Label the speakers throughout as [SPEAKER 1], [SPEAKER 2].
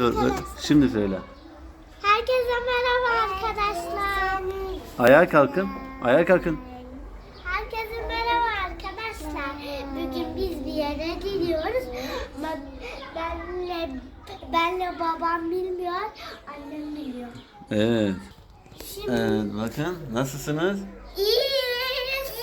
[SPEAKER 1] Dur. Şimdi söyle.
[SPEAKER 2] Herkese merhaba arkadaşlar.
[SPEAKER 1] Ayağa kalkın. Ayağa kalkın.
[SPEAKER 2] Herkese merhaba arkadaşlar. Bugün biz bir yere gidiyoruz. Benle babam bilmiyor, annem biliyor.
[SPEAKER 1] Evet.
[SPEAKER 2] Şimdi
[SPEAKER 1] Evet, bakın nasılsınız?
[SPEAKER 2] İyiyiz.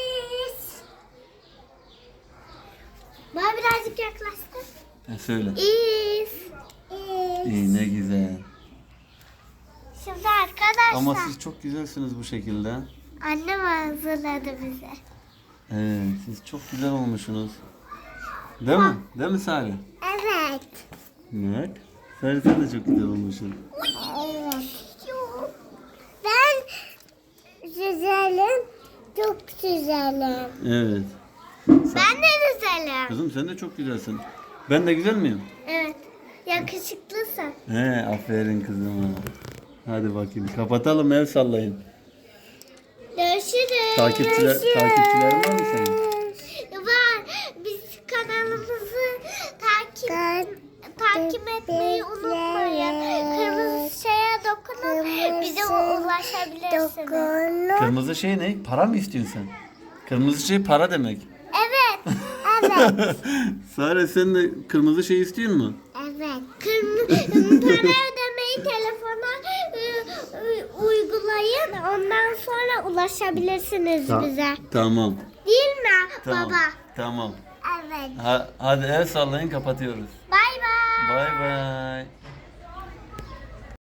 [SPEAKER 2] Bana birazcık yaklaştın.
[SPEAKER 1] Söyle.
[SPEAKER 2] İyiyiz.
[SPEAKER 1] İyi, ne güzel.
[SPEAKER 2] Şimdi arkadaşlar.
[SPEAKER 1] Ama siz çok güzelsiniz bu şekilde.
[SPEAKER 2] Annem hazırladı bize.
[SPEAKER 1] Evet, siz çok güzel olmuşsunuz. Değil mi? Değil mi Salih?
[SPEAKER 2] Evet.
[SPEAKER 1] Evet. Salih sen de çok güzel olmuşsun.
[SPEAKER 2] Evet. Ben güzelim. Çok güzelim.
[SPEAKER 1] Evet.
[SPEAKER 2] Ben de güzelim.
[SPEAKER 1] Kızım sen de çok güzelsin. Ben de güzel miyim?
[SPEAKER 2] Evet. Yakışıklısın.
[SPEAKER 1] He, aferin kızıma. Hadi bakayım. Kapatalım, el sallayın.
[SPEAKER 2] Görüşürüz.
[SPEAKER 1] Takipçilerin var mı senin?
[SPEAKER 2] Var. Biz kanalımızı takip etmeyi unutmayın. Kırmızı şeye dokunun. Bize ulaşabilirsiniz.
[SPEAKER 1] Kırmızı şey ne? Para mı istiyorsun sen? Kırmızı şey para demek.
[SPEAKER 2] Evet. Evet.
[SPEAKER 1] Sare sen de kırmızı şey istiyor mu?
[SPEAKER 2] Evet. Para ödemeyi telefona uygulayın. Ondan sonra ulaşabilirsiniz bize.
[SPEAKER 1] Tamam.
[SPEAKER 2] Değil mi
[SPEAKER 1] Tamam.
[SPEAKER 2] baba?
[SPEAKER 1] Tamam.
[SPEAKER 2] Evet.
[SPEAKER 1] Hadi el sallayın, kapatıyoruz.
[SPEAKER 2] Bay bay.
[SPEAKER 1] Bay bay.